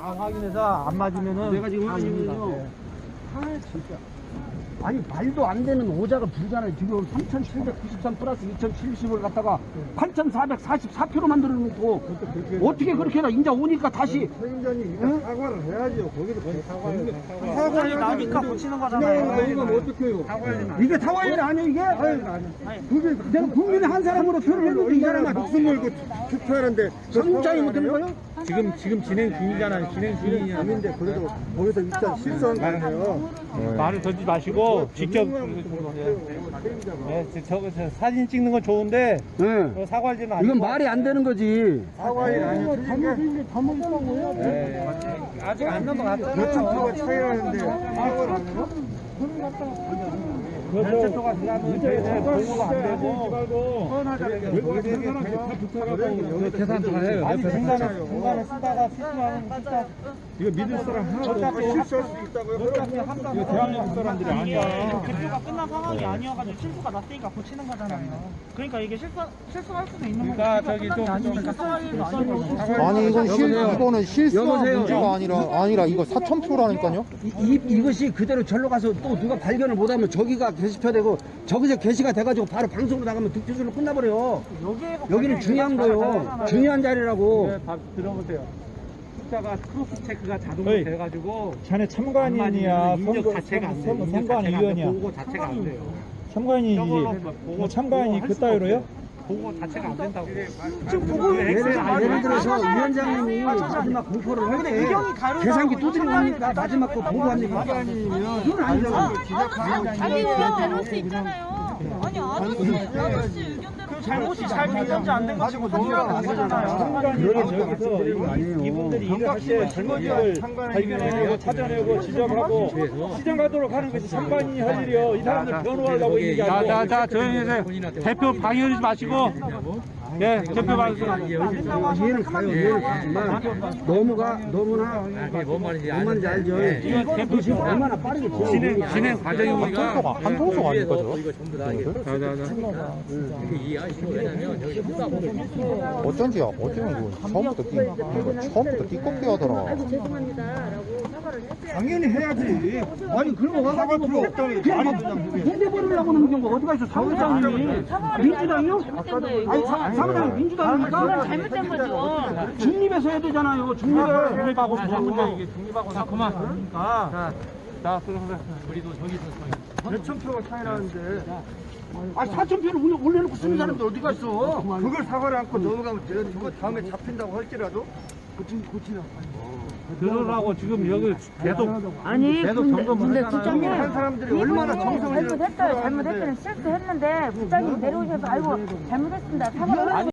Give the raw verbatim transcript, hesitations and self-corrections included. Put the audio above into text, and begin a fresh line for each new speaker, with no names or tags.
다 확인해서 안 맞으면은
내가 지금 확인이면요. 아 진짜. 아니 말도 안 되는 오자가 불잖아요. 지금 삼천칠백구십삼 플러스 이천칠십을 갖다가 팔천사백사십사 표로 만들어 놓고 어떻게 그렇게 해라. 인자 오니까 다시
책임자님 이거 사과를 해야죠. 거기도 사과를
사과를 나니까 붙이는 거잖아요.
이건 어떻게 해요?
이게 사과일 아니에요 이게? 그게 내가 국민의 한 사람으로 표를 했는데 이 사람아
목숨 걸고 투표하는데
삼국장이 못 되는 거예요?
지금 지금 진행 중이잖아요. 진행 중이냐.
아닌데 그래도 거기서 일단 실수한 거예요.
말을 던지지 마시고 직접 네, 저거 저 사진 찍는 건 좋은데
네.
사과할지는 아니고
이건 말이 안 되는 거지.
사과일 아니에요. 틀린 게 잘못했다고요?
네. 아직 안 넘어갔어요.
몇천 표가 차이가 나는데 사과를 안 해요?
몇천 표가 지나면 저희들 보고가 안 되고 계산 다 해요. 옆에 중간에 중간에 쓰다가 실수하는 쓰다
이거 믿을 사람 하나도
어차피
없고 실수할 수도 있다고요?
어차피 한번
이거 대한민국 사람들이 아니야.
개표가 끝난 상황이 아니어가지고 실수가 났으니까 고치는 거잖아요. 그러니까 이게 실수 실수할 수도 있는 거고.
그러니까 저기 좀
아니니까 사과일도 아니고.
아니 이건 실
여보세요?
이거는 실수한
여보세요?
문제가 아니라 아니라 이거 사천 표라니까요.
이, 이, 이것이 그대로 절로 가서 또 누가 발견을 못하면 저기가 게시표되고 저기서 게시가 돼가지고 바로 방송으로 나가면 득표수로 끝나버려요. 여기는 중요한 거요. 중요한 자리라고.
네, 다 들어보세요. 숫자가 크로스 체크가 자동으로 돼가지고 자네 참관인이야. 인적 자체가 안 돼. 참관위원이야. 보고 자체가 안 돼요. 참관인이지. 뭐 참관인이 그따위로요? 보고 자체가 안 된다고.
지금 보고
예를, 예를 들어서 위원장님이 마지막 공포를 할 때 계산기 두드리고 합니까? 마지막 거 보고합니까? 그건 아니죠.
자기 의견 내놓을 수 있잖아요. 아니 아저씨 아저씨 의견대로
그 잘못이 잘 된 건지 안 된 건지 확인하는 거잖아요.
참관인이 저기서 이분들이 일을 할 때 잘못을 발견해내고 찾아내고 지적하고 시정 가도록 하는 것이 참관인이 할 일이요. 이 사람들 변호하려고 있는 게 아니고. 자자자 조용히 해주세요. 대표 방해하지 마시고. 네, 대표 방해하세요.
이해는 가요. 이해는 가지만 너무가 너무나 뭔 말인지 알죠.
이건 대표
지금 얼마나 빠르게
진행 진행 과정이 우리가
한 통속 아닙니까 저거? 어쩐지 어제는 그 처음부터 띠 처음부터 띠껍게 하더라.
아이고 죄송합니다라고 사과를 했어요.
당연히 해야지.
아니 그런 거 와가지고 뭐 그냥 막 해대버리려고 하는 경우가 어디가 있어. 사무장님이 민주당이요?
잘못된 거예요
아니
이거.
사, 사무장이 민주당입니까?
잘못된 거죠.
중립에서 해야 되잖아요. 중립을.
중립하고 사문자 이게 중립하고 자 그만. 그러니까 자 그러면 우리도 저기서
몇천 표가 차이 나는데
아 사천 표를 올려- 올려놓고 쓰는 사람들 어디 갔어?
그걸 사과를 않고 넘어가면 돼요. 저거 다음에 잡힌다고 할지라도 고치, 고치나.
들으라고 지금 여기 계속
아니
계속
근데,
점검을
근데
하잖아요.
국장님
한 사람들이 얼마나 정성을
잘못했어요 잘못했어요 실수했는데 국장님 내려오셔서 아이고 잘못했습니다 사과를